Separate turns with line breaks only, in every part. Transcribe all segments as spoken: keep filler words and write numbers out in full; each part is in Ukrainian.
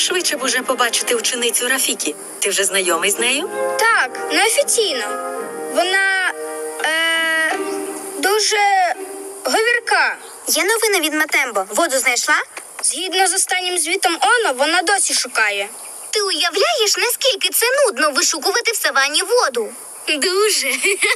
Швидше б уже побачити ученицю Рафікі. Ти вже знайомий з нею?
Так, неофіційно. Вона е, дуже говірка.
Є новина від Матембо. Воду знайшла?
Згідно з останнім звітом Оно, вона досі шукає.
Ти уявляєш, наскільки це нудно вишукувати в савані воду?
Дуже.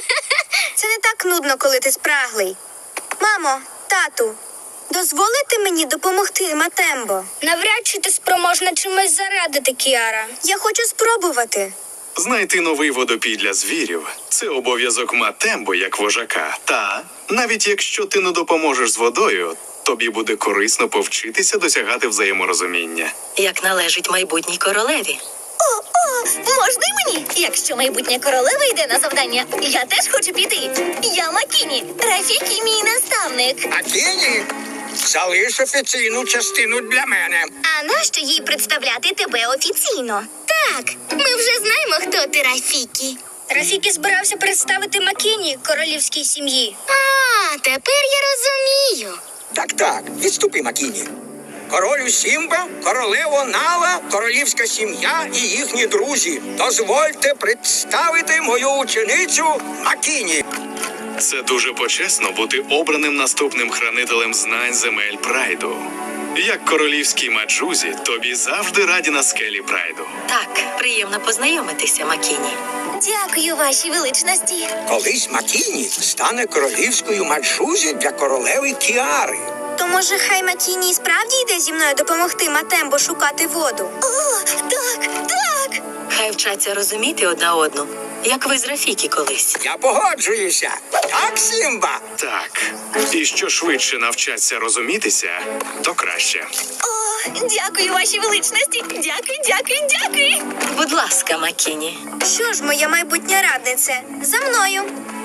Це не так нудно, коли ти спраглий. Мамо, тату, дозволите мені допомогти Матембо?
Навряд чи ти спроможна чимось зарадити, Кіара.
Я хочу спробувати.
Знайти новий водопій для звірів – це обов'язок Матембо як вожака. Та, навіть якщо ти не допоможеш з водою, тобі буде корисно повчитися досягати взаєморозуміння.
Як належить майбутній королеві.
О, о, можна й мені? Якщо майбутня королева йде на завдання, я теж хочу піти. Я Макіні, Рафікі мій наставник.
Акіні, залиш офіційну частину для мене.
А нащо їй представляти тебе офіційно? Так, ми вже знаємо, хто ти, Рафікі.
Рафікі збирався представити Макіні королівській сім'ї.
А, тепер я розумію.
Так, так, відступи, Макіні. Королю Сімба, королево Нала, королівська сім'я і їхні друзі. Дозвольте представити мою ученицю Макіні.
Це дуже почесно бути обраним наступним хранителем знань земель Прайду. Як королівській маджузі, тобі завжди раді на скелі Прайду.
Так, приємно познайомитися, Макіні.
Дякую, вашій величності.
Колись Макіні стане королівською маджузі для королеви Кіари.
То може хай Макіні і справді йде зі мною допомогти Матембо шукати воду? О, так, так!
Хай вчаться розуміти одна одну, як ви з Рафікі колись.
Я погоджуюся. Так, Сімба?
Так, і що швидше навчаться розумітися, то краще.
О, дякую, вашій величності. Дякую, дякую, дякую.
Будь ласка, Макіні.
Що ж, моя майбутня радниця, за мною.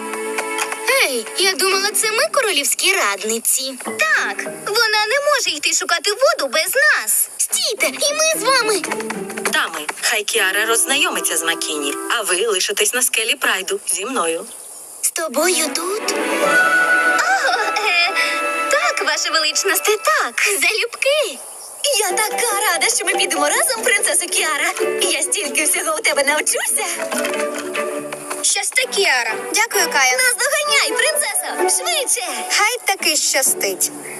Ей, я думала, це ми королівські радниці. Так, вона не може йти шукати воду без нас. Стійте, і ми з вами.
Дами, хай Кіара роззнайомиться з Макіні, а ви лишитесь на скелі Прайду зі мною.
З тобою тут? О, е, так, ваша величність, так, залюбки. Я така рада, що ми підемо разом, принцесо Кіара. Я стільки всього у тебе навчуся.
Щасти, Кіара.
Дякую, Каю. Наздоганяй, принцесо, швидше. Хай таки щастить.